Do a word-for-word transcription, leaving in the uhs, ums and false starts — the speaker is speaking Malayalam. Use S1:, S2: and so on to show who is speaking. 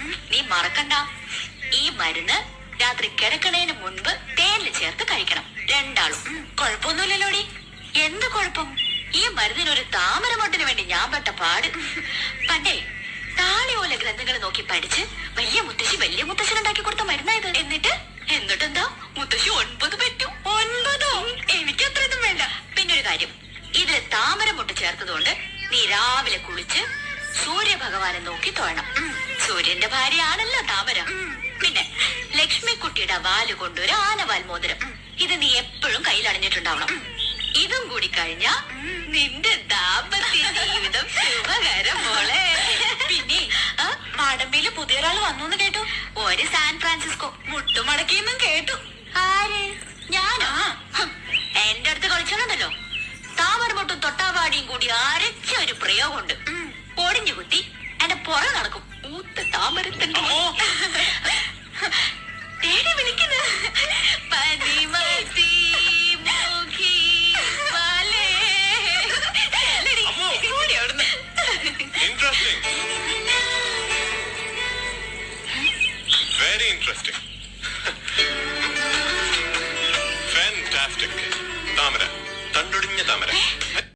S1: നീ മറക്കണ്ട, ഈ മരുന്ന് രാത്രി കിടക്കണേന് മുൻപ് തേനിൽ ചേർത്ത് കഴിക്കണം രണ്ടാളും. കുഴപ്പമൊന്നുമില്ലല്ലോടി. എന്ത് കുഴപ്പം? ഈ മരുന്നിനൊരു താമരമൊട്ടിന് വേണ്ടി ഞാൻ പെട്ട പാട്. പണ്ടേ താളിയോല ഗ്രന്ഥങ്ങൾ നോക്കി പഠിച്ച് വലിയ മുത്തശ്ശി വലിയ മുത്തശ്ശൻ ഉണ്ടാക്കി കൊടുത്ത മരുന്നായത്. എന്നിട്ട് എന്നിട്ടെന്താ മുത്തശ്ശി ഒൻപത് പറ്റും. ഒൻപതോ? എനിക്ക് അത്രയൊന്നും വേണ്ട. പിന്നൊരു കാര്യം, ഇതിൽ താമരമൊട്ട് ചേർത്തതുകൊണ്ട് നീ രാവിലെ കുളിച്ച് സൂര്യഭഗവാനെ നോക്കി തൊഴണം. സൂര്യന്റെ ഭാര്യയാണല്ലോ താമര. പിന്നെ ലക്ഷ്മിക്കുട്ടിയുടെ വാല് കൊണ്ടൊരു ആനവാൽ മോതിരം. ഇത് നീ എപ്പോഴും കയ്യിൽ അണിഞ്ഞിട്ടുണ്ടാവണം. ഇതും കൂടി കഴിഞ്ഞ നിന്റെ ദാമ്പത്യ ജീവിതം ശുഭകരം മോളെ. പിന്നെ മാടമ്പിയില് പുതിയൊരാൾ വന്നു കേട്ടു. ഒരു സാൻ ഫ്രാൻസിസ്കോ മുട്ടുമടക്കിയെന്നും കേട്ടു. ആര്? ഞാനോ? എന്റെ അടുത്ത് കളിച്ചോണ്ടല്ലോ. താമരമൊട്ടും തൊട്ടാവാടിയും കൂടി അരച്ച ഒരു പ്രയോഗമുണ്ട്. ഒടിഞ്ഞു കുത്തി എന്റെ പുറ നടക്കും. ഊത്ത താമരത്തിന്റെ തേടി വിളിക്കുന്നു. പനിമതി Mukhi വാലേ.
S2: Interesting. Very interesting. Fantastic. താമര, തണ്ടൊടിഞ്ഞ താമര.